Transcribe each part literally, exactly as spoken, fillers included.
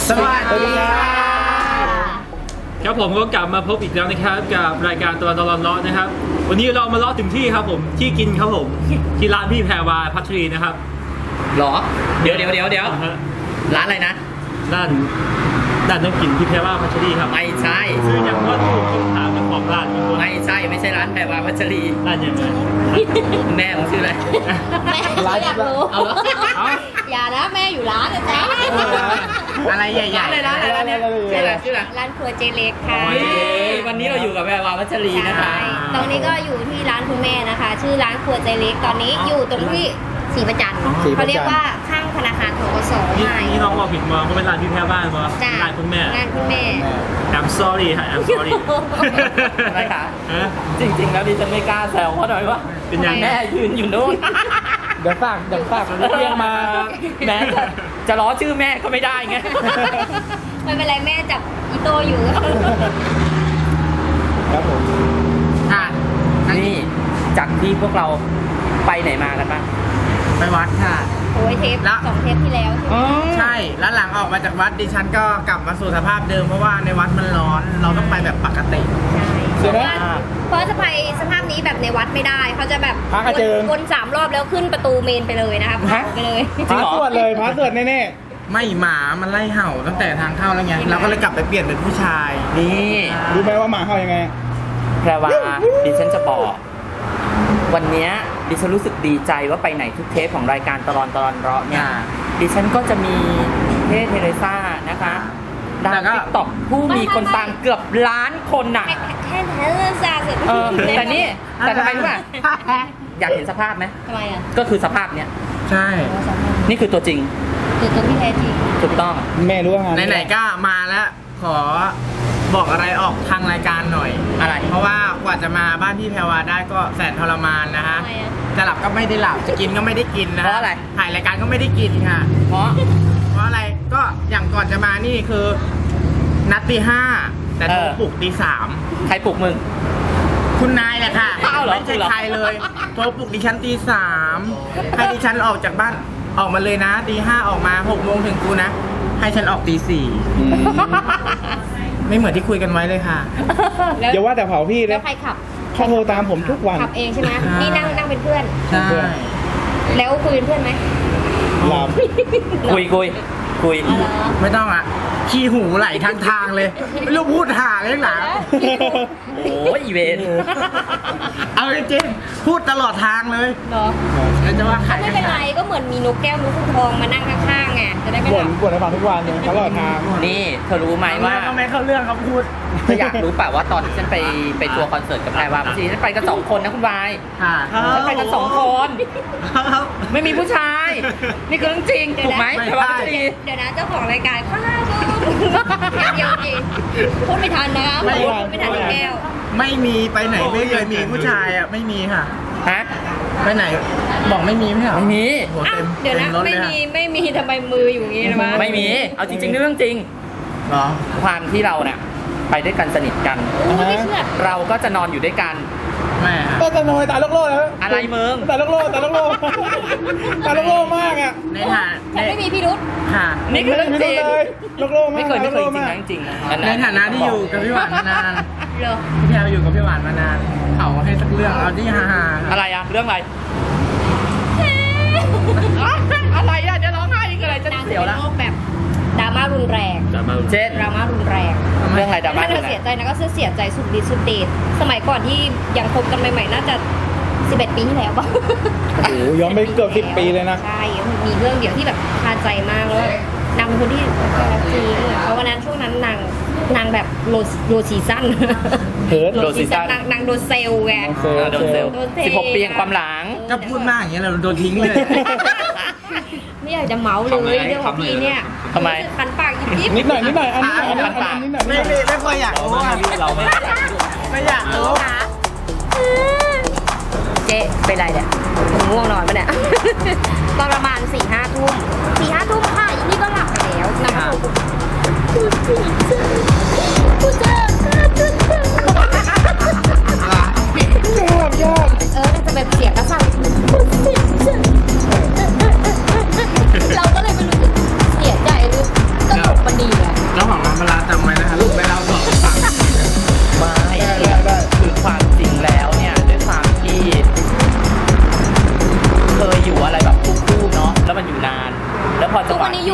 สวัสดีครับครับผมก็กลับมาพบอีกแล้วนะครับกับรายการตลอดตลอดเลาะนะครับวันนี้เรามาเลาะถึงที่ครับผมที่กินครับผมที่ร้านพี่แพรวาพัชรีนะครับหรอเดี๋ยวเดี๋ยวเดี๋ยวเดี๋ยวร้านอะไรนะด้านด้านน้ำกินพี่แพรวาพัชรีครับไม่ใช่คืออย่างว่าถูกต้องถามเป็นของร้านไม่ใช่ไม่ใช่ร้านแพรวาพัชรีร้านยังไงแม่ผมชื่ออะไรแม่อยากรู้อย่านะแม่อยู่ร้านนะจ๊ะอะไรใหญ่ๆเลยร้านอะไรเนี่ยชื่ออะไรชื่ออะไรร้านครัวเจเล็กค่ะวันนี้เราอยู่กับแพรวาพัชรีนะคะตรงนี้ก็อยู่ที่ร้านคุณแม่นะคะชื่อร้านครัวเจเล็กตอนนี้อยู่ตรงที่ศรีประจันทร์เขาเรียกว่าข้างธนาคารธกสนี่นี่น้องบอกผิดมาเพราะเป็นร้านพี่แพรวาเพราะร้านคุณแม่ร้านคุณแม่ I'm sorry ฮะ I'm sorry อะไรคะจริงๆแล้วดิฉันไม่กล้าแซวเพราะอะไรวะเป็นยังแม่ยืนอยู่นู้นเดี๋ยวฝากเดี๋ยวฝากเรียกมาแม่จะล้อชื่อแม่ก็ไม่ได้ไงไม่เป็นไรแม่จับอีโต้อยู่ครับผมอ่ะนี่จากที่พวกเราไปไหนมากันบ้างไปวัดค่ะโอ้ยเทปสองเทปที่แล้วใช่แล้วหลังออกมาจากวัดดิฉันก็กลับมาสู่สภาพเดิมเพราะว่าในวัดมันร้อนเราต้องไปแบบปกติใช่เพราะจะไปสภาพนี้แบบในวัดไม่ได้เขาจะแบบวนสามรอบแล้วขึ้นประตูเมนไปเลยนะครับไปเลยพระสวดเลยพระสวดแน่ๆไม่หมามันไล่เห่าตั้งแต่ทางเข้าแล้วไงเราก็เลยกลับไปเปลี่ยนเป็นผู้ชายนี่รู้ไหมว่าหมาเห่ายังไงแพรวาดิฉันจะบอกวันนี้ดิฉันรู้สึกดีใจว่าไปไหนทุกเทปของรายการตลอดตลอดเราะเนี่ยดิฉันก็จะมีเทเทเรซ่านะคะดาวติ๊กต็อกผู้มีคนฟังเกือบล้านคนน่ะแค่เทเรซ่าเสร็จแต่นี่แต่ทำไมรู้ป่ะอยากเห็นสภาพไหมทำไมอ่ะก็คือสภาพเนี้ยใช่นี่คือตัวจริงคือตัวที่แท้จริงถูกต้องแม่รู้ว่างานไหนๆก็มาแล้วขอบอกอะไรออกทางรายการหน่อยอะไรเพราะว่ากว่าจะมาบ้านพี่แพรวาได้ก็แสนทรมานนะฮะจะหลับก็ไม่ได้หลับจะกินก็ไม่ได้กินนะเพราะอะไรถ่ายรายการก็ไม่ได้กินค่ะเพราะเพราะอะไรก็อย่างก่อนจะมานี่คือนัดตีห้าแต่โทรปลุกตีสามใครปลุกมึงคุณนายแหละค่ะไม่ใช่ใครเลยโทรปลุกดิฉันตีสามให้ดิฉันออกจากบ้านออกมาเลยนะตีห้าออกมาหกโมงถึงกูนะให้ฉันออกตีสี่ไม่เหมือนที่คุยกันไว้เลยค่ะอย่าว่าแต่เผาพี่แล้วใครขับเขาโทรตามผมทุกวันขับเองใช่ไหมนี่นั่งนั่งเป็นเพื่อนใช่แล้วคุยเป็นเพื่อนไหมหลับคุยคุยคุยไม่ต้องอ่ะขี้หูไหลทางทางเลยไม่รู้พูดหาเลยหรอโอ้ยอีเวนเอาจริงๆพูดตลอดทางเลยเนาะแล้วจะว่าใครไม่เป็นไรก็เหมือนมีนกแก้วนกขุนทองมานั่งข้างๆไงจะได้ไม่หลับบ่นให้ฟังทุกวันเลยตลอดทางนี่เธอรู้ไหมว่าทำไมเขาเรื่องเขาพูดเธออยากรู้ป่ะว่าตอนที่ฉันไปไปทัวร์คอนเสิร์ตกับแพรวาพัชรีฉันไปกันสองคนนะคุณวายฉันไปกันสองคนไม่มีผู้ชายนี่คือเรื่องจริงถูกไหมแพรวาพัชรีเดี๋ยวนะเจ้าของรายการข้าวเดียวจริงพูดไม่ทันนะครับพูดไม่ทันแก้วไม่มีไปไหนไม่เคยมีผู้ชายอ่ะไม่มีค่ะฮะไปไหนบอกไม่มีไม่เหรอไม่มีเดี๋ยวนะไม่มีไม่มีทำไมมืออยู่งี้นะมั้ยไม่มีเอาจริงๆเรื่องจริงเหรอความที่เราเนี่ยไปด้วยกันสนิทกันเราก็จะนอนอยู่ด้วยกันแม่ก็จะนอนตาโลกโลกแล้วอะไรมึงตาโลกโลกตาโลกโลกตาโลกโลกมากอ่ะในฐานไม่มีพิรุธค่ะนี่คือเรื่องจริงโลกโลกมากไม่เคยไม่เคยจริงจริงในฐานะที่อยู่กับพี่หวานมานานพี่แพรอยู่กับพี่หวานมานานเขาให้สักเรื่องเอาที่ฮาๆอะไรอะเรื่องอะไรอะไรอะจะร้องไห้อีกอะไรจะเสียวแล้วแบบดราม่ารุนแรงเช่นดราม่ารุนแรงเรื่องอะไรดราม่าถ้าเธอเสียใจนะก็เสียใจสุดฤทธิ์สุดเดชสมัยก่อนที่ยังคบกันใหม่ๆน่าจะสิบเอ็ดปีที่แล้วป่ะโอ้ย้อนไปเกือบสิบปีเลยนะใช่มีเรื่องเดียวที่แบบคาใจมากแล้วนางเป็นคนที่รักจริงเพราะวันนั้นช่วงนั้นนางนางแบบโลโลซีซั่นโลซีซั่นนางโดนเซลไงโดนเซลสิบหกปีความหลังก็พูดมากอย่างเงี้ยเราโดนทิ้งเลยไม่อยากจะเมาเลยเรื่องของพี่เนี่ยทำไมคันปากยิบนิดหน่อยนิดหน่อยอันนี้อันนี้คันปากไม่ไม่ไม่ค่อยอยากรู้เราไม่ไม่อยากรู้เจ๊เป็นไรเนี่ยง่วงนอนปะเนี่ยตอนประมาณสี่ห้าทุ่มสี่ห้าทุ่มค่ะอีนี่ก็หลับไปแล้วนางกูเจอง่วงยากเออจะแบบเสียงกระสับเราก็เลยไม่รู้สึกเสียใจหรือตลกมันดี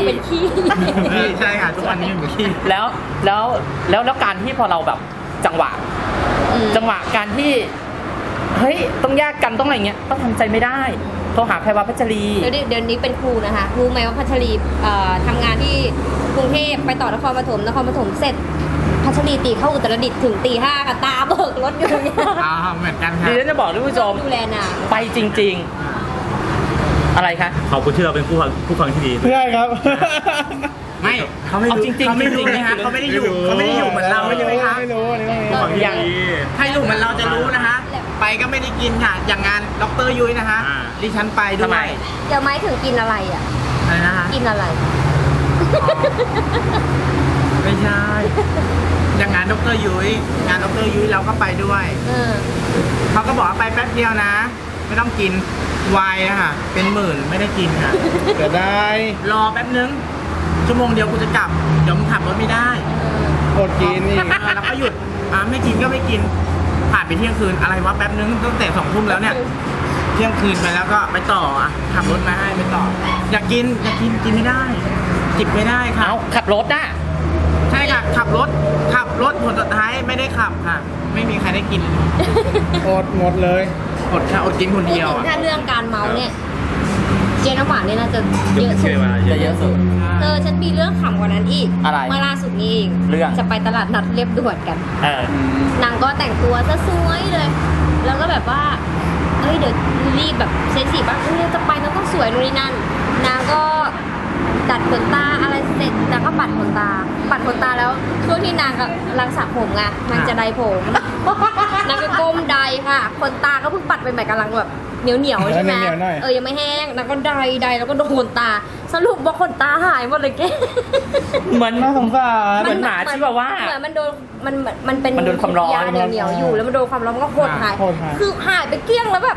เป็นขี้พี่ใช่ค่ะทุกวันนี้หนูขี้แล้วแล้วแล้วแล้วการที่พอเราแบบจังหวะอืมจังหวะการที่เฮ้ยต้องแยกกันต้องอะไรเงี้ยก็ทำใจไม่ได้โทรหาแพรวาพัชรีเดี๋ยวนี้เดี๋ยวนี้เป็นครูนะคะรู้ไหมว่าพัชรีเอ่อทำงานที่กรุงเทพไปต่อนครปฐมนครปฐมเสร็จพัชรีตีเข้าอุตรดิตถ์ถึงตีห้าค่ะตาเบิกรถอยู่อย่างเงี้ยอ่าเหมือนกันค่ะดิฉันจะบอกท่านผู้ชมดูแลนางไปจริง ๆ อะไรคะขอบคุณที่เราเป็นผู้ฟังผู้ฟังที่ดีไม่ใช่ครับไม่เขาไม่เอารู้จริงๆเขาไม่รู้จริงๆไหมคะเขาไม่ได้อยู่ไม่รู้เขาไม่ได้อยู่เหมือนเราไม่ใช่ไหมรู้คะไม่รู้อันนี้ไม่รู้ผู้ฟังที่ยังดีถ้าอยู่เหมือนเราจะรู้นะคะ ไปก็ไม่ได้กินค่ะ อย่างงานดรยุ้ยนะคะอ่าดิฉันไปด้ทำวไมยเดี๋ยวไม้ถึงกินอะไรอ่ะอะไรนะคะกินอะไรไม่ใช่ อย่างงานดรยุ้ยงานดรยุ้ยเราก็ไปด้วยเออเขาก็บอกว่าไปแป๊บเดียวนะ ไม่ต้องกินไวน์อะค่ะเป็นหมื่นไม่ได้กินค่ะจะได้รอแป๊บนึงชั่วโมงเดียวกูจะกลับเดี๋ยวมึงขับรถไม่ได้อดกินอีกเออแล้วก็หยุดอ่าไม่กินก็ไม่กินผ่านไปเที่ยงคืนอะไรวะแป๊บนึงตั้งแต่สองทุ่มแล้วเนี่ยเที่ยงคืนไปแล้วก็ไปต่ออ่ะขับรถมาให้ไปต่อ อยากกินอยากกินกินไม่ได้ จิบไม่ได้ค่ะเอาขับรถน่ะใช่ค่ะขับรถขับรถผลสุดท้ายไม่ได้ขับค่ะ ไม่มีใครได้กินอดหมดเลยอดค่ะอดกินคนพูดเดียวถึงอ่ะถ้าเรื่องการเมาเนี่ย เจนน้ำหวานเนี่ยน่าจะเยอะสุดจะเยอะสุดเออฉันมีเรื่องขำกว่านั้นอีกอะไรเมื่อล่าสุดนี้เองเรื่องจะไปตลาดนัดเรียบด่วนกันเออนางก็แต่งตัวซะสวยเลย แล้วก็แบบว่า เอ้ยเดี๋ยวรีบแบบเซ็กซี่บ้างเอ้ยจะไปแล้วต้องสวยนู่นนี่นั่น นางก็ดัดขนตาอะไรเสร็จนางก็ปัดขนตา ปัดขนตาแล้วช่วงที่นางกำลังสระผมไงนางจะไดผม นางก็ก้มไดค่ะขนตาก็เพิ่งปัดไปใหม่กำลังแบบเหนียวเหนียวๆใช่ไหมเหนียวๆหน่อยเออยังไม่แห้งนางก็ไดไดแล้วก็โดนขนตา สรุปว่าขนตาหายหมดเลยแกเหมือนน่าสงสารเหมือนหมาชิวาว่าเหมือนมันโดนมันมันเป็นมันโดนความร้อนยาเหนียวเหนียวๆอยู่แล้วมันโดนความร้อนมันก็หดหายหดหายคือหายไปเกลี้ยงแล้วแบบ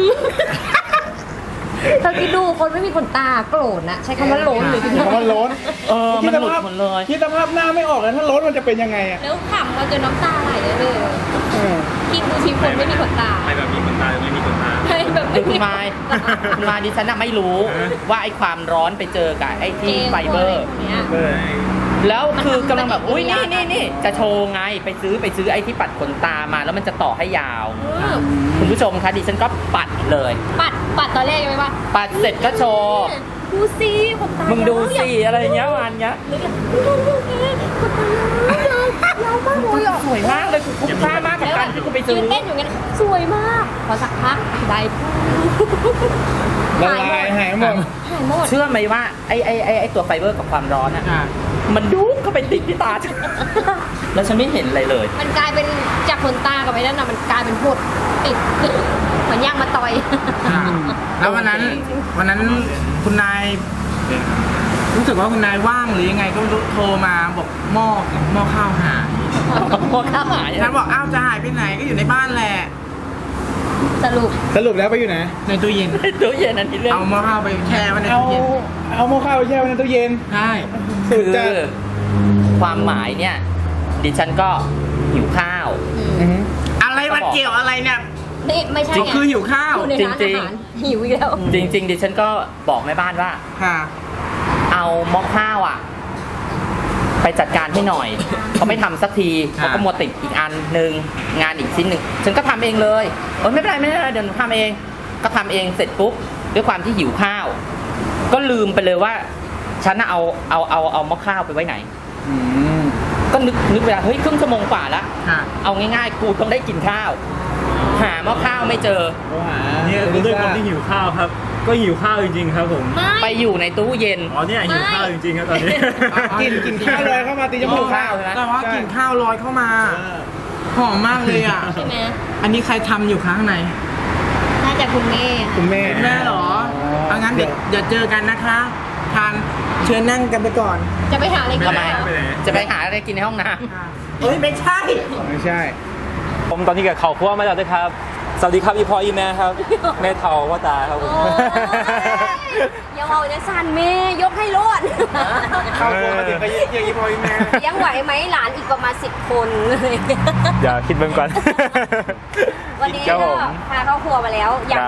เธอคิดดูคนไม่มีขนตาโกรธนะใช้คำว่าโลนเลยทีเดียวเพราะมันล้นเออมันหลุดหมดเลยคิดสภาพหน้าไม่ออกเลยถ้าล้นมันจะเป็นยังไงอ่ะแล้วขำมาจนน้ำตาไหลเลยเออคิดดูทีคนไม่มีขนตาไม่แบบมีคนตายไม่มีคนตายใช่แบบคืไม่อคุมีณมายคุณมายดิฉันน่ะไม่รู้ว่าไอ้ความร้อนไปเจอกับไอ้ที่ไฟเบอร์เนี้ยเออแล้วคือกำลังแบบมันทำอุ้ยปฏินี่กิริยานี่นี่จะโชว์ไงไปซื้อไปซื้อไอ้ที่ปัดขนตามาแล้วมันจะต่อให้ยาวอืมคุณผู้ชมคะดิฉันก็ปัดเลยปัดปัดตอนแรกยังไงวะปัดเสร็จก็โชว์ดูสิขนตามึมึงดูสิอะไรอย่างเงี้ยวันเงี้ยนึกเลยดูดูดูขนตายาวยาวมากเลยอ่ะสวยมากเลยกูคุ้มค่ามากกับการที่กูไปซื้ยือนเต้นอยู่งั้นสวยมาก พอสักพักได้ละลายหายหมดหายหมดเชื่อไหมว่าไอ้ไอ้ไอ้ไอ้ตัวไฟเบอร์กับความร้อนอ่ะอ่ะมันยุบเข้าไปติดที่ตาฉัน แล้วฉันไม่เห็นอะไรเลยมันกลายเป็นจากขนตากับไอ้นั่นน่ะมันกลายเป็นพดติดเหมือนย่างมาต่อยอ่ะแล้ววันนั้นวันนั้นคุณนายรู้สึกว่าคุณนายว่างหรือยังไงก็ไม่รู้โทรมาบอกหม้อหม้อข้าวหายพอข้าวหายฉันบอกอ้าวจะหายไปไหนก็อยู่ในบ้านแหละสรุปสรุปแล้วไปอยู่ไหนในตู้เย็นตู้เย็นอันนี้เรื่องเอาหม้อข้าวไปแช่ไว้ในเอาตู้เย็นเอาหม้อข้าวไปแช่ไว้ในตู้เย็นใช่สุคืดอจัดความหมายเนี่ย ดิฉันก็หิวข้าวอือหืออะไรมันเกี่ยวอะไรเนี่ยนี่ไม่ใช่ก็ไงคือหิวข้าวอยู่ในร้านจริอางๆหารหิวอีกแล้วจริง ๆ ดิฉันก็บอกแม่บ้านว่าค่ะเอาหม้อข้าวอ่ะ ไปจัดการให้หน่อย เขาไม่ทำสักทีเขาก็มัวติดอีกอันหนึ่งงานอีกชิ้นหนึ่งฉันก็ทำเองเลยเออไม่เป็นไรไม่เป็นไรเดี๋ยวหนูทำเอง ก็ทำเองเสร็จปุ๊บด้วยความที่หิวข้าว ก็ลืมไปเลยว่า ฉันน่ะเอาเอาเอาเอาหม้อข้าวไปไว้ไหนอืมก็นึกนึกเวลาเฮ้ยครึ่งชั่วโมงกว่าละค่ะเอาง่ายๆ กูต้องได้กินข้าว หาหม้อข้าวไม่เจอโทรหาเนี่ยด้วยความที่หิวข้าวครับ ก็หิวข้าวจริงๆครับผมไม่ไปอยู่ในตู้เย็นอ๋อเนี่ยหิวข้าวจริงๆครับตอนนี้กินกินข้าวเลยเข้ามาตีจมูกข้าวใช่ไหมแต่ว่าใช่กลิ่นข้าวลอยเข้ามาเออหอมมากเลยอ่ะใช่ไหมอันนี้ใครทำอยู่ข้างในน่าจะคุณแม่คุณแม่แม่เหรอเอางั้นเดี๋ยวเดี๋ยวเจอกันนะคะ ทานเชิญนั่งกันไปก่อนจะไปหาอะไรกินทำไมเหรอไปไหนจะไปหาอะไรกินในห้องน้เฮ้ยไม่ใช่ไม่ใช่ผมตอนนี้กับเขาคั่วมาแล้วด้วยครับ สวัสดีครับอีพออีแม่ครับ แม่เทาว่าตาครับผมโอ้ยอย่าเอาจะสั่นแม่ยกให้โลดเข้าครัวมาถึงก็ยังยี่พอยี่แม่ยังไหวไหมหลานอีกประมาณสิบคนเลยอย่าคิดเบิ่งก่อนวันนี้ครับก็ผมพาเข้าครัวมาแล้ว อยากครับ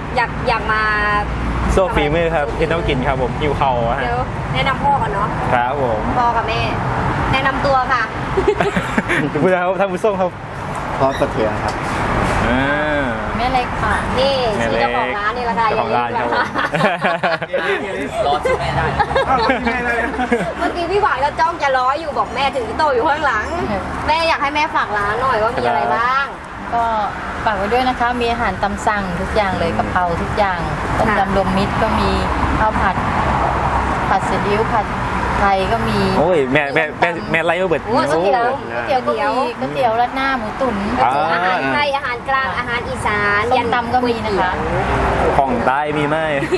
อยากอยากมาโซฟีมือครับที่ต้องกินครับผมหิวเข่าอะฮะเดี๋ยวแนะนำพ่อก่อนเนาะครับผมพ่อกับแม่ แนะนำตัวค่ะพูดแล้วท่านผู้ชมครับพร้อมกระเทียมครับอ่าแม่เล็กค่ะ นี่แม่ชื่อเล็กเจ้าของร้านนี่แหละค่ะเจ้าของร้านครับผมรอชื่อแม่ได้นะอ้าวเราที่แม่เลยเมื่อกี้พี่หวานก็จ้องจะร้อยอยู่บอกแม่ถือโตอยู่ข้างหลัง แม่อยากให้แม่ฝากร้านหน่อยว่ามีอะไรบ้างก็ฝากไว้ด้วยนะคะ มีอาหารตามสั่งทุกอย่างเลยกะเพราทุกอย่างต้มค่ะยำรวมมิตรก็มีข้าวผัด ผัดซีอิ๊วผัดไทยก็มีโอ้ยแม่แม่แม่แม่ไล่มาเบิดโอ้ก๋วยเตี๋ยวก๋วยเตี๋ยวก็มีก๋วยเตี๋ยวราดหน้าหมูตุ๋นอ่าอาหารไทยอาหารกลางอาหารอีสานส้มตำก็มีนะคะของใต้มีไหม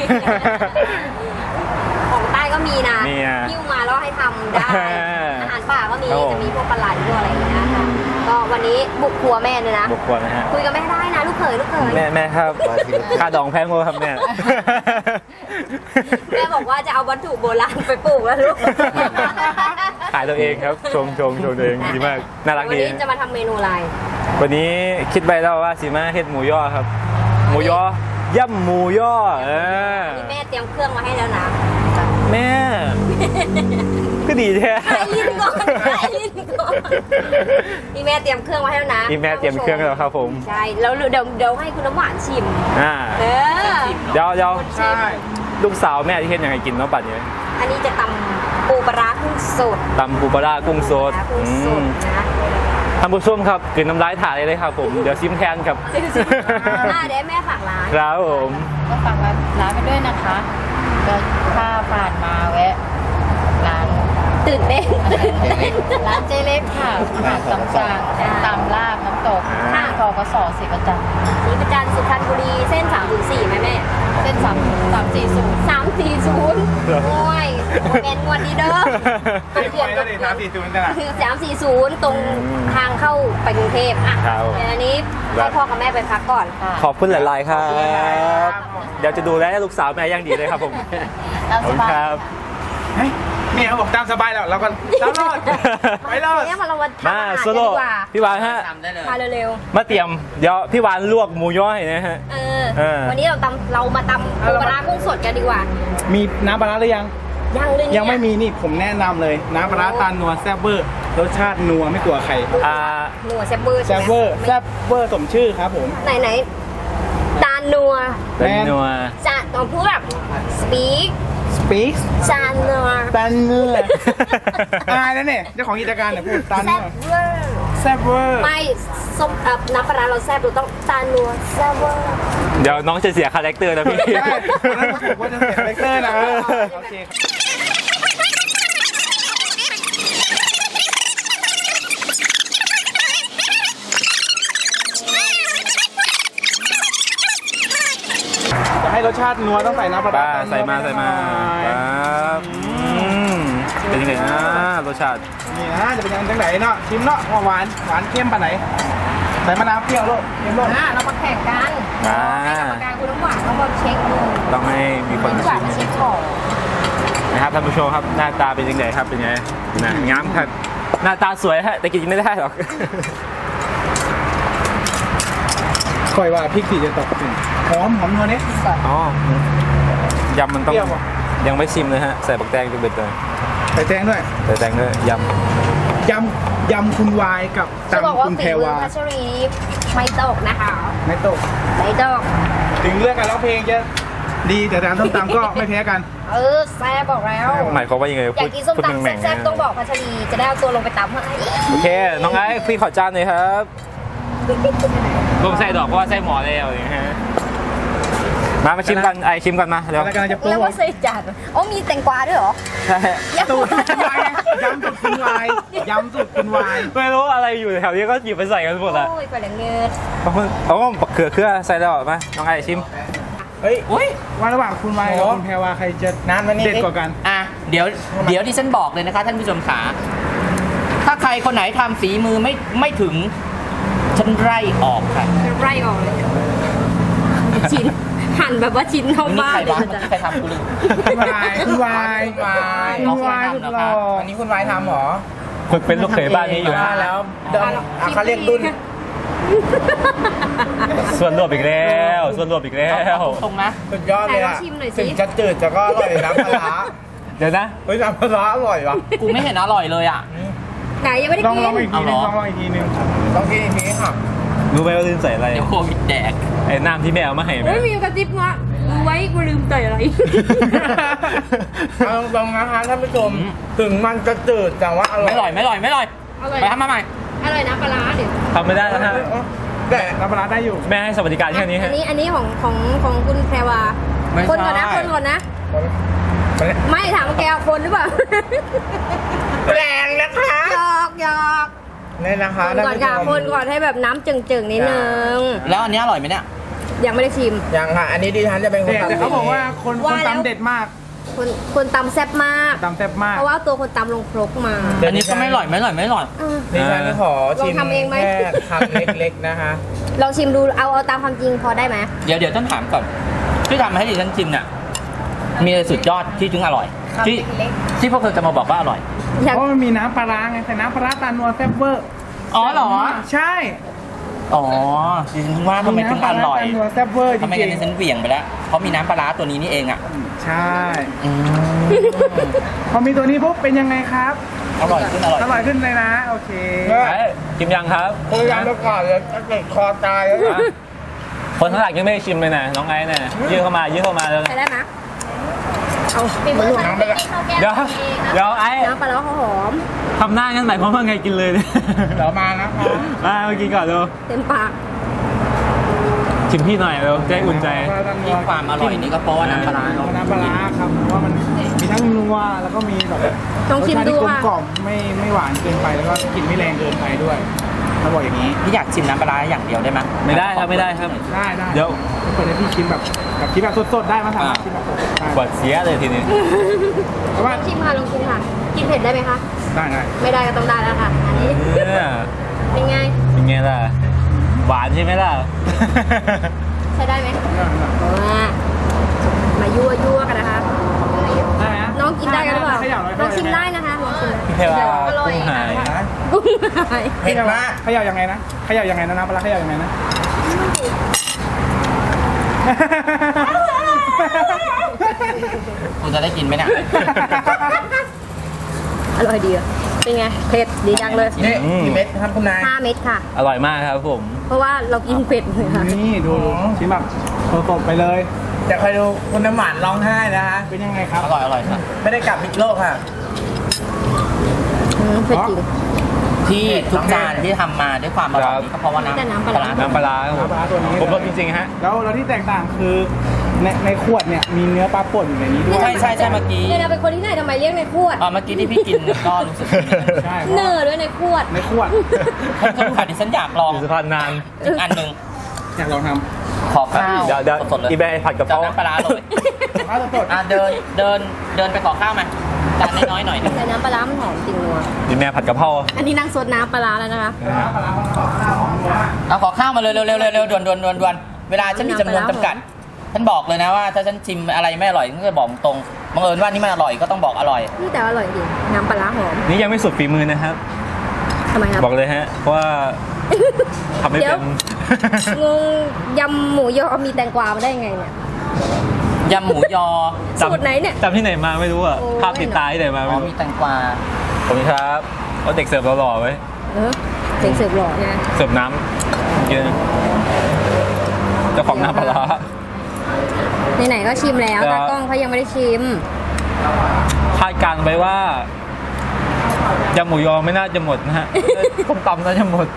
ของใต้ก็มีนะมีอ่ะหิ้วมาแล้วให้ทำได้ อาหารป่าก็มีครับผมจะมีพวกปลาไหลพวกอะไรอย่างเงี้ยค่ะก็วันนี้บุกครัวแม่เลยนะบุกครัวนะฮะคุยกับแม่ได้นะ ลูกเขยลูกเขยแม่แม่ครับค่าดองแพงกว่าครับแม่แม่บอกว่าจะเอาวัตถุโบราณไปปลูกแล้วลูกขายตัวเองครับชมชมชมตัวเองดีมากน่ารักวันดีนี้จะมาทำเมนูอะไรวันนี้คิดไปแล้วว่าสิมาเฮ็ดหมูย่อครับ หมูย่อย่ำหมูย่อเออนี่แม่เตรียมเครื่องมาให้แล้วนะแม่ ก็ดีแท้ไอ้ลิ้นก่อนไอ้ลิ้นก่อนนี่แม่เตรียมเครื่องมาให้แล้วนะนี่แม่เตรียมเครื่องแล้วครับผมใช่แล้วเดี๋ยวเดี๋ยวให้คุณน้ำหวานชิมอ่าเออเดี๋ยวเดี๋ยวใช่ลูกสาวแม่ที่เฮ็ดยังไงกินเนาะบัดนี้อันนี้จะตำปูปลาร้ากุ้งสดตำปูปลาร้ากุ้งสดกุ้งสอืดมนะท่านผู้ชมครับกินน้ำลายถ่ายเลยครับผมเดี๋ยวซิมแทนครับอ่าเดี๋ยวให้แม่ฝากร้านครับผมก็ฝากร้านไปด้วยนะคะก็ถ้าผ่านมาแวะร้านตื่นเต้นตื่นเต้นร้านเจเล็กค่ะอาหารตามสั่งตามลาบน้ำตกค่ะทอกสอสิประจันทร์ศรีประจันทร์สุพรรณบุรีเส้นสามถึงสี่ไหมแม่เส้นสามสามสี่ศูนย์สามสี่ศูนย์โอ้ยเป็นงวดดีเด้อตรงเขื่อนไปแล้วดิสามสี่ศูนย์กันอ่ะคือสามสี่ศูนย์ตรงทางเข้าไปกรุงเทพอ่ะครับเดี๋ยวอันนี้ให้พ่อกับแม่ไปพักก่อนค่ะขอบคุณหลาย ๆ ครับ เดี๋ยวจะดูแลลูกสาวแม่อย่างดีเลยครับผมตามขอบสคุณบายครับเฮ้ยแม่เขาบอกตามสบายแล้วเราก็ตามรอดไปรอดเนี่ยมาเรามาทำมาอาหารโซกันโล่ดีกว่าพี่วานฮะมาเร็วมาเตรียม เดี๋ยวพี่วานลวกหมูย่อยนะฮะๆเออเออวันนี้เราตำเรามาตำปูปลาร้ากุ้งสดกันดีกว่ามีน้ำปลาร้าหรือยังยังเลยเนี่ยยังไม่มีนี่ผมแนะนำเลย น้ำปลาร้าตาลนัวแซ่บเวอร์รสชาตินัวไม่กลัวใครอ่าหนัวแซ่บเบอร์แซ่บเวอร์แซ่บเวอร์สมชื่อครับผมไหนไหนๆตาลนัวเป็นนัวจะต้องพูดแบบ speak Speak จานนัวตาลเนื้ออายแล้วเนี่ยเจ้าของกิจการเนี่ยพูดตาลแซ่เนื้อบเวอร์แซ่บเวอร์ไม่ส้มเอ่อน้ำปลาร้าเราแซ่บเราต้องตาลนัวแซ่บเวอร์เดี๋ยวน้องจะเสียคาแรคเตอร์นะพี่ใช่คนนั้นถูกว่าจะเสียคาแรคเตอร์นะโอเคจะให้รสชาตินัวต้องใส่น้ำปลาร้าป้าใส่มาใส่มาครับอืมเป็นยังไงนะรสชาตินี่นะจะเป็นยังไงจังไหนเนาะชิมเนาะว่าหวานหวานเข้มปานไหนใส่มะนาวเปรี้ยวโลดเค็มโลดอ่ะเรามาแข่งกันอ่าให้กรรมการคุณน้ำหวานเขามาเช็คดูต้องให้มีคนคุณมาน้ำหวานมาชิมเช็คของนะครับท่านผู้ชมครับหน้าตาเป็นยังไงครับเป็นยังไงนะงามครับหน้าตาสวยฮะแต่กินไม่ได้หรอกคอยว่าพริกสีจะตกถึงหอมหอมนัวเนี้ยอ๋อยำมันต้องเปรี้ยวอ่ะยังไม่ชิมเลยฮะใส่บักแตงจุเบ็ดเลยใส่แตงด้วยใส่แตงด้วยยยำยำคุณวายกับจะบอกตำว่าคุณฝีแพรมือวาพัชรีไม่ตกนะคะไม่ตกไม่ตกถึงเรื่องการร้องเพลงจะดีแต่การส้มตำก็ไม่แพ้กันเออแซ่บบอกแล้วำหมายความว่ายังไงอยาพูกดกินส้มพูดตำแหม่งๆแซ่บนะๆต้องบอกพัชรีจะได้เอาตัวลงไปตำให้โอเคน้องไอ้พี่ขอจานหน่อยครับรวมใส่ดอกเพราะว่าใส่หมอแล้วอย่างเงี้ยฮะมามาชิมกันไอชิมกันมาเดี๋ยวอะไรกำลังจะโปรเรียกโมว่าทใส่จานโอ้มีแตงกวาด้วยเหรอใช่สูตรคุณวายไงยำสูตรคุณวายยำสูตรคุณวายไม่รู้อะไรอยู่แถวนี้ก็หยิบไปใส่กันหมดละโอ้ยไปเลยเงินบางคนเอาก็บักเขือเครือใส่แล้วมาน้องไอชิมเฮ้ยว่าระหว่างคุณวายกับคุณแพรวาใครจะนานวันนี้เด็ดกว่ากันอ่ะเดี๋ยวเดี๋ยวที่ฉันบอกเลยนะคะท่านผู้ชมขาถ้าใครคนไหนทำฝีมือไม่ไม่ถึงฉันไล่ออกค่ะไร่ออกเลยชิ้นหั่นแบบว่าชิ้นเข้านี่บ้าใครนเลบ้างยจ้ะใครทำกูลืมคุณวายคุณวายคุณวายคุณวายสุดหล่ออันนี้คุณวายทำเหรอฝึกเป็นลูกเขยบ้านนี้อยู่นะว่าแล้วเดิมอ่ะเขาเรียกรุ่นส่วนรวมอีกแล้วส่วนรวมอีกแล้วตรงๆนะสุดยอดเลยอ่ะไหนลองชิมหน่อยสิถึงจะจืดแต่ก็อร่อยน้ำปลาร้าเดี๋ยวนะเฮ้ยน้ำปลาร้าอร่อยว่ะกูไม่เห็นอร่อยเลยอ่ะไหนยังไม่ได้ลองกินลองอีกทีนึงเอาเหรอลองลองอีกทีนึงต้องกินอีกทีค่ะรู้ไหมว่าลืมใส่อะไรเดี๋ยวโควิดแดกไอ้น้ำที่แม่เอามาให้ไหมไม่มีกระติบงะรู้ไว้กูลืมใส่อะไรเอาตรงๆนะคะท่านผู้ชมถึงมันจะจืดแต่ว่าอร่อยไม่อร่อยไม่อร่อยไม่อร่อยอร่อยไปทำมาใหม่อร่อยนะปลาร้าเดี๋ยวทำไม่ได้แล้วฮะแต่น้ำปลาร้าได้อยู่แม่ให้สวัสดิการแค่นี้อัฮะนนี้อันนี้ของของของคุณแพรวาไม่ใช่คนก่อนนะคนก่อนนะ ไม่ถามว่าแกเอาคนหรือเปล่าแรงนะคะหยอกหยอกนี่นะคะคนก่อนค่ะคนก่อนให้แบบน้ำจึงๆนิดนึงแล้วอันนี้อร่อยไหมเนี่ยยังไม่ได้ชิมยังค่ะ อันนี้ดิฉันจะเป็นคนแต่แต่ทำเขาบอกว่าคนคว่าน แล้วตำเด็ดมากคนคนตำแซ่บมากตำแซ่บมากเพราะว่าตัวคนตำลงครกมาอันนี้ก็ไม่อร่อยไม่อร่อยไม่อร่อยอ่ะดิฉันขอชิมลองทำเองไหมแค่คำเล็กๆนะคะลองชิมดูเอาเอาตามความจริงพอได้ไหมเดี๋ยวเดี๋ยวต้องถามก่อนที่ทำให้ดิฉันชิมเนี่ยมีอะไรสุดยอดที่ถึงอร่อย ที่ที่พวกเธอจะมาบอกว่าอร่อยอยากเพราะมันมีน้ำปลาร้าไงแต่น้ำปลาร้าตานัวแซ่บเวอร์อ๋อเหรอใช่อ๋อดิฉันว่าทำไมถึงอร่อยมีน้ำปลาร้าตานัวแซ่บเวอร์จทำไมริงั้งนดิฉันเหวี่ยงไปแล้วเพราะมีน้ำปลาร้าตัวนี้นี่เองอ่ะๆใช่อืมพอมีตัวนี้ปุ๊บเป็นยังไงครับอร่อยขึ้นอร่อยอร่อยขึ้นเลยนะ โอเคเออเอ้ยชิมยังครับคุยกันไปก่อนเลยจะเกิดคอตายแล้วนะคนข้างหลังยังไม่ได้ชิมเลยนะน้องไอ้เนี่ยยื่นเข้ามายื่นเข้ามาแล้วใช้ได้ไหมเอาปีมือฉันน้ำไปละเดี๋ยวเดี๋ยวไอ้น้ำปลาร้าเขาหอมทำหน้างั้นหมายความว่าไงกินเลยเนี่ยเดี๋ยวมานะคะมามากินก่อนเร็วเต็มปากชิมพี่หน่อยเร็วจะได้อุ่นใจที่ความอร่อยนี่ก็เพราะว่าน้ำปลาร้าเนอะน้ำปลาร้าครับเพราะว่ามันมีทั้งนัวแล้วก็มีแบบลองชิมดูรสชาติที่กลมค่ะกล่อมไม่ไม่หวานเกินไปแล้วก็กลิ่นไม่แรงเกินไปด้วยเขาบอกอย่างนี้พี่อยากชิมน้ำปลาร้าอย่างเดียวได้ไหมไม่ได้ครับไม่ได้ครับได้ได้เดี๋ยวเปิดให้พี่ชิมแบบแบบชิมแบบสดๆได้มาสามารถอ่าชิมแบบสดๆได้ปวดเสียเลยทีนี้เพราะว่าลองชิมค่ะลองชิมค่ะ กินเผ็ดได้ไหมคะได้ได้ไม่ได้ก็ต้องได้แล้วค่ะ อันนี้เนี่ยเป็นไงเป็นไงล่ะหวานใช่ไหมล่ะใช้ได้ไหมมามายั่วยั่วกันนะคะได้ไหมน้องกินได้กันหรือเปล่าขยับหน่อยลองชิมได้นะคะลองชิมพี่เพรวาอร่อยกุ้งหายกุ้งหายเผ็ดมากเขย่ายังไงนะเขย่ายังไงนะน้ำปลาร้าเขย่ายังไงนะคุณจะได้กินไหมเนี่ยอร่อยดีอะเป็นไง เผ็ดดีจังเลยนี่กี่เม็ดครับคุณนายห้าเม็ดค่ะอร่อยมากครับผมเพราะว่าเรากินเผ็ดเลยค่ะนี่ดูดูชิมแบบสดๆไปเลยจะคอยดูคุณน้ำหวานร้องไห้นะคะเป็นยังไงครับอร่อยอร่อยค่ะไม่ได้กลับพิษโลกค่ะอืมเผ็ดจริงที่ทุกจานที่ทำมาด้วยความอร่อยนี่ก็เพราะว่าน้ำแต่น้ำปลาร้าน้ำปลาร้าครับผมน้ำปลาร้าตัวนี้ผมรสจริงๆฮะแล้วแล้วที่แตกต่างคือในในขวดเนี่ยมีเนื้อปลาป่นอยู่ในนี้ด้วยใช่ใช่ใช่เมื่อกี้เนี่ยเราเป็นคนที่ไหนทำไมเรียกในขวดอ่าเมื่อกี้ที่พี่กินก็รู้สึกดีนะใช่เนอร์ด้วยในขวดในขวดท่านผู้ชมดิฉันอยากลองอยู่สะพานนานอีกอันหนึ่งอยากลองทขอข้าวเดี๋ยวเดี๋ยวสดๆเลยอีแบร์ผัดกะเพจะราเอาน้ำปลาร้าเลยำข้าวสดอ่ะเดินเดินเดินไปขอข้าวมาจานน้อยๆหน่อยหนึงแต่น้ำปลาร้ามันหอมจริงนัวอีแม่ผัดกะเพราอันนี้นั่งซดน้ำปลาร้าแล้วนะคะเอาขอข้าวมาเลยเร็วๆเร็วๆเร็วๆด่วนด่วนด่วนด่วนเวลาฉันมีจำนวนจำกัดฉันบอกเลยนะว่าถ้าฉันชิมอะไรไม่อร่อยฉันจะบอกตรงบังเอิญว่านี่มันอร่อยก็ต้องบอกอร่อยนี่แต่อร่อยจริง น้ำปลาร้าหอมนี่ยังไม่สุดฝีมือนะครับทำไมครับบอกเลยฮะเพราะว่าทำไม่เดี๋เป็ยวน งงยำหมูยอมีแตงกวามาได้ยังไงเนี่ยยำหมูยอสูตรไหนเนี่ยจำที่ไหนมาไม่รู้อ่ะโอ้ยภาพติดตาที่ไหนมาอ๋ไม่อรู้มีแตงกวาผมครับเอาเด็กเสิร์ฟหล่อๆไว้เออเสียงเสิร์ฟหล่อไงเสิร์ฟน้ำกินเจ้าของน้ำปลาร้าไหนๆก็ชิมแล้วครับตากล้องเขายังไม่ได้ชิมคาดการณ์ไว้ว่ายำหมูยอไม่น่าจะหมดนะฮะต้มตำน่าจะหมด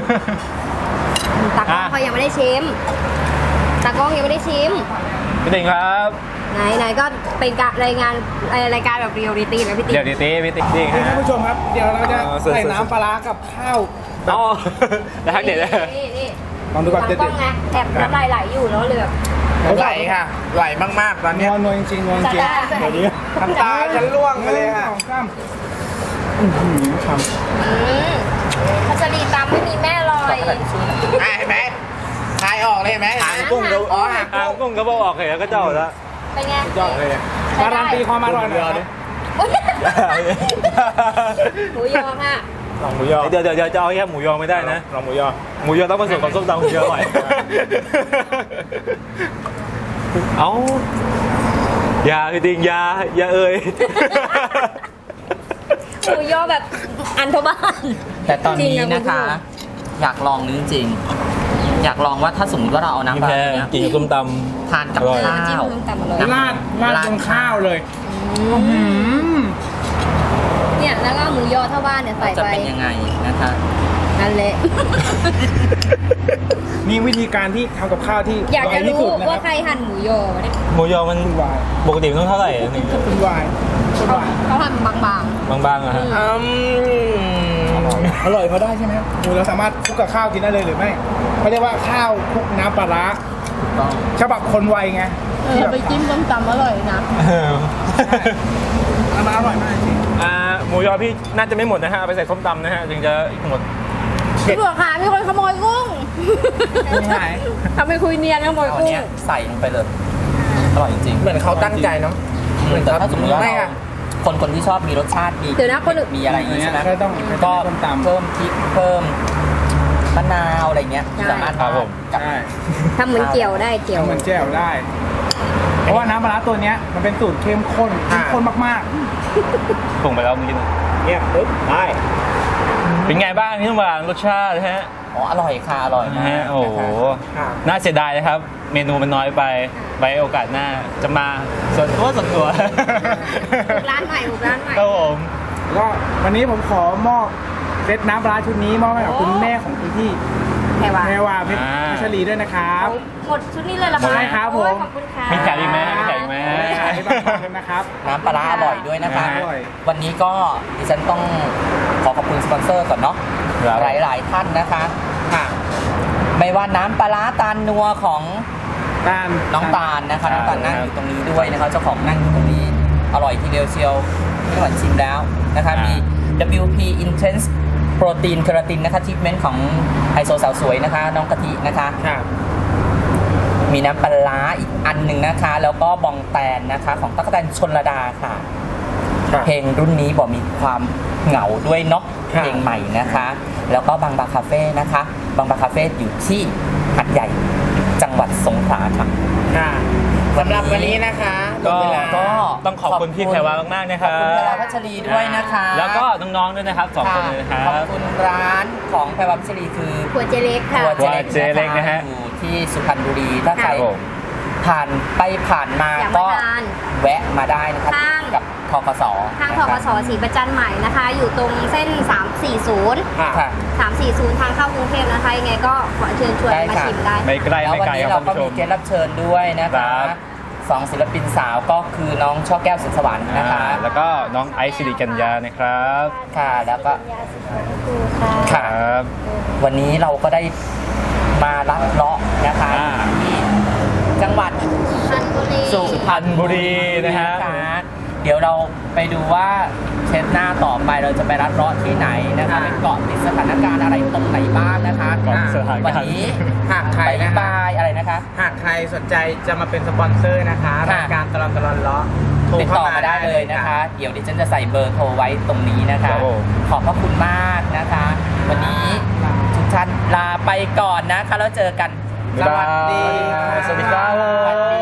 ตากล้องเขายังไม่ได้ชิม ตากล้องยังไม่ได้ชิมพี่ติงครับไหนไหนก็เป็นการรายงานเอ่อรายการแบบเรียลลิตี้นะพี่ติ๊กเดี๋ยวดิตีพี่ติงจริงนี่ท่านฮะผู้ชมครับ เดี๋ยวเราจะเออเสิร์ฟใส่น้ำปลาร้ากับข้าวแบบอ๋อแล้วทักเด็ดเลยนี่นี่ลองดูก่อนตาเด็ดกล้องไงแอบน้ำลายไหลอยู่แล้วเลยแบบไหลค่ะ ไหลมากๆตอนๆเนี้ยนวลนวลจริงๆนวลจริงจะได้เดี๋ยวนี้น้ำตาฉันร่วงไปเลยค่ะสองสามอื้อหือทอืมพัชรีตามไม่มีแม่ลอยอ่ะเห็นไหมทายออกเลยเห็นไหมหางกุ้งอ๋อหางอ่างกุ้งกุ้งก็บอกออกเหรอก็เจ้าแล้วเป็นไงำยอดเลยการันตีความอร่อยหน่อยครับหมูยอค่ะลองหมูยอเดี๋ยวเดี๋ยวเดี๋ยวจะเอาแค่หมูยอไม่ได้นะลองหมูยอหมูยอต้องผสมกับส้มตำหมูยออร่อย เอาอย่าพี่ติงอย่าอย่าเอ่ยหมูยอแบบอันเทบ้านแต่ตอนนี้จริงนะคะณผู้ชมอยากลองนึงจริงๆอยากลองว่าถ้าสมมติว่าเราเอาน้ำปลาแค่เนี้ยกินกับส้มตทานกับอร่อยข้าจิ้มวน้ำตำอร่อยน้ำราดราดบนข้าวเลยเนี่ยแล้วก็เอาหมูยอเท่าบ้านเนี่ยใส่จะไปเป็นยังไงนะคะนั่นแหละนี่วิธีการที่ทำกับข้าวที่อยากจะไวที่รู้สุดนะคว่ารับใครหั่นหมูยอวะเนี่ยำหมูยอมันคุณวายปกติมันต้องเท่าไหร่อะนี่คุณวายคุณเขาวายเขาหั่นบางบางๆอะฮะอืมอร่อยพอได้ใช่ไหมครับหมูเราสามารถคลุกกับข้าวกินได้เลยหรือไม่เขาเรียกว่าข้าวคลุกน้ำปลาร้าฉบับคนไวไงเออไปจิ้มส้มตำอร่อยนะมันอร่อยมากจริงอ่าหมูยอพี่น่าจะไม่หมดนะฮะเอาไปใส่ส้มตำนะฮะถึงจะหมดๆพี่บอกค่ะมีคนขโมยกุ้งไม่ใช่ทำไมคุยเนียนขโมยเอากุ้งเนี้ยใส่ลงไปเลยอร่อยจริงๆเหมือนเขาตั้งใจเนาะเหมือนแต่ถ้าสมมติว่าไม่เราอะคนคนที่ชอบมีรสชาติมีเดี๋ยวนะคนอื่นมีอะไรอย่างงี้ใช่ไหมก็ต้องก็ต้มตำเพิ่มพริกเพิ่มมะนาวอะไรเงี้ยใช่สามารถครับผมกับใช่ทำเหมือนเกี่ยวได้เกี่ยวทำเหมือนแจ่วได้ เพราะว่าน้ำปลาร้าตัวเนี้ยมันเป็นสูตรเข้มข้นเข้มข้นมากส่งไปแล้วเมื่อกี้นะๆเนี่ยปึ๊บได้เป็นไงบ้างพี่น้ำหวานรสชาติฮะอ๋ออร่อยค่ะอร่อยนะมากฮะโอ้โหนะคะน่าเสียดายนะครับ เมนูมันน้อยไปไว้โอกาสหน้าจะมาส่วนตัวส่วนตัวบุกร้านใหม่บุกร้านใหม่ครับผมก็วันนี้ผมขอมอบเซตน้ำปลาร้าชุดนี้มอบให้กับคุณแม่ของคุณพี่แพรวาแพรวาเพชรพัชรีด้วยนะครับหมดชุดนี้เลยเหรอหมดคะเลยครับผมโอ้ยขอบคุณค่ะมีขายอีกไหมมีขายอีกไหมขายบางๆนะครับน้ำปลาร้าอร่อยด้วยนะคะอร่อยวันนี้ก็ดิฉันต้องขอขอบคุณสปอนเซอร์ก่อนเนาะครับหลาย ๆ ท่านนะคะค่ะไม่ว่าน้ำปลาร้าตาลนัวของตาลน้องตาลนะคะครับน้องตาลนั่งอยู่ตรงนี้ด้วยนะคะเจ้าของนั่งอยู่ตรงนี้อร่อยทีเดียวเชียวไม่หวานชิมแล้วนะคะมี ดับเบิลยู พี Intense Protein Keratin นะคะทรีทเมนต์ของไฮโซสาวสวยนะคะน้องกะทินะคะครับมีน้ำปลาร้าอีกอันหนึ่งนะคะ แล้วก็บองแตนนะคะของตั๊กแตนชลดาค่ะครับเพลงรุ่นนี้บอกมีความเหงาด้วยเนาะครับเพลงใหม่นะคะ แล้วก็บางบาคาเฟ่นะคะบางบาคาเฟ่อยู่ที่หัดใหญ่จังหวัดสงขลาค่ะค่ะสำหรับวันนี้นะคะหมก็ดเวลาก็ต้องขอบคุณพี่แพรวามากๆนะคขอบรับคุณแพรวาพัชรีด้วยนะคะแล้วก็น้องๆด้วยนะครับสองคนเลยนะครัขอบบ คุณร้านของแพรวาพัชรีคือขวดเจเล็กค่ะครัวครัวเจเล็กนะฮะอยู่ที่สุพรรณบุรีถ้าใครครับผมผ่านไปผ่านมาอยากก็มาทานแวะมาได้นะครับข้างกับทกสทางทกสศรีประจันใหม่นะคะ อยู่ตรงเส้น สามสี่ศูนย์ค่ะสามสี่ศูนย์ทางเข้ากรุงเทพนะคะ ยังไงก็ขอเชิญชวนได้มาค่ะชิมได้ไม่ไกลแล้วไม่วันไกลนี้ครับเราคุณก็ผู้ชมีมเกสรับเชิญด้วยนะครัคะบสองศิลปินสาวก็คือน้องช่อแก้วสุขสวรรค์นะคะอ่าแล้วก็น้องไอซ์สิริกัญญานะครับค่ะแล้วก็คค่ะรับวันนี้เราก็ได้มาลัดเลาะนะคะอ่าที่จังหวัดพันบุรีสุพรรณบุรีนะฮะเดี๋ยวเราไปดูว่าเทปหน้าต่อไปเราจะไปรัดเลาะที่ไหนนะคะไปเกาะติดสถานการณ์อะไรตรงไหนบ้างนะคะเกาะติดสถานการณ์วันนี้หากใครบายนะคะบายอะไรนะคะหากใครสนใจจะมาเป็นสปอนเซอร์นะคะค่ะรายการตลอดตลอดเลาะโทรติดเข้าต่อมามาได้เลยนะคะ เดี๋ยวดิฉันจะใส่เบอร์โทรไว้ตรงนี้นะคะครับผมขอบพระคุณมากนะคะ วันนี้ทุกท่านลาไปก่อนนะคะแล้วเจอกันสวัสดีค่ะสวัสดีครับสวัสดี